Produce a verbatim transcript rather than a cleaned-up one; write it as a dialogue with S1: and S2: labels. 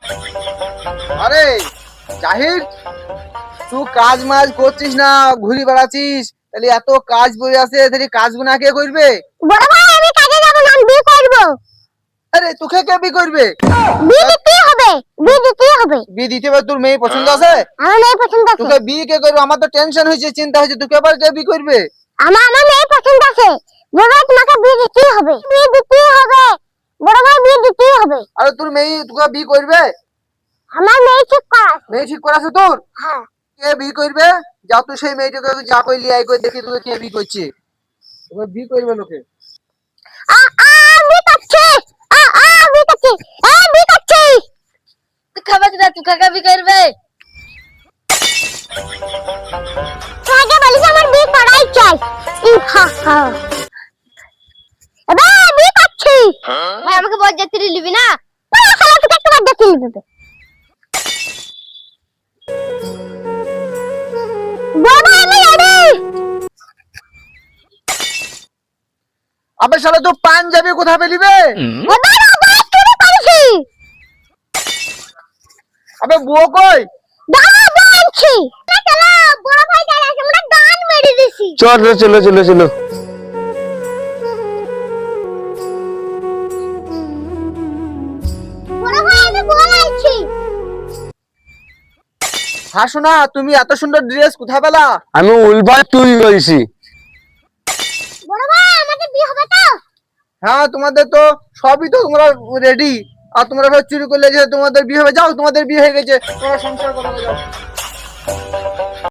S1: আরে জাহির, তুই কাজ মাজ করছিস না, ঘুরি বেড়াচ্ছিস, তাহলে এত কাজ পড়ে আছে, তাহলে কাজগুলো না কে করবে?
S2: বড় ভাই আমি কাজে যাব না, আমি বিয়ে করব।
S1: আরে তোকে কে বি করবে?
S2: বিয়ে দিতে হবে, বিয়ে দিতে হবে।
S1: বি দিতে হবে? তোর মেয়ে পছন্দ আছে?
S2: আমার মেয়ে পছন্দ আছে।
S1: তোকে বি কে করবে? আমার তো টেনশন হয়েছে, চিন্তা হয়েছে, তোকে আবার কে বি করবে?
S2: আমার আমার মেয়ে পছন্দ আছে। বড় ভাই তোমাকে বিয়ে দিতে হবে, বিয়ে দিতে হবে, বড় ভাই বিয়ে দিতে হবে।
S1: আরে তোর মেয়ে তোকে বি করবে?
S2: আমার মেয়ে ঠিক করা আছে।
S1: মেয়ে ঠিক করা আছে তোর?
S2: হ্যাঁ।
S1: কে বি করবে? যা তুই সেই মেয়েটাকে যা কইলি আই কই দেখি তোকে কে বি করছে। তোকে বি করবে লোকে।
S2: আ আ বিয়ে করছে, আ আ বিয়ে করছে, আ বিয়ে করছে।
S3: তুই খাবে কিনা? তুই কাকা বি করবে?
S2: তোমাকে বলিস আমার বিয়ে করাই চাই। ই হা হা। এবার বিয়ে করছি।
S3: ভাই আমাকে বরযাত্রী নিবি না?
S2: বড় শালা তোকে একটা বাদ দিয়ে দিবে। বড় ভাই আমি রেডি।
S1: আবে শালা তো পাঞ্জাবি কোথায় পেলিবে?
S2: এবার আবার শুরু করেছি।
S1: আবে বুয়ো কই?
S2: দাঁড়া বলছি। চলো বড় ভাই দাঁড়া, আমরা গান মেরে দিছি।
S4: চলো চলো চলো চলো।
S2: বড় ভাই আমি বলাইছি।
S1: হ্যাঁ শোনা, তুমি এত সুন্দর ড্রেস কোথায় পেলা?
S4: আমি উলবার তুই করেছি।
S2: বড় ভাই আমাদের বিয়ে হবে তো?
S1: হ্যাঁ তোমাদের তো সবই তো তোমরা রেডি, আর তোমরা সব চুরি করলে যে তোমাদের বিয়ে হবে। যাও, তোমাদের বিয়ে হয়ে গেছে, তোমরা সংসার করো, যাও।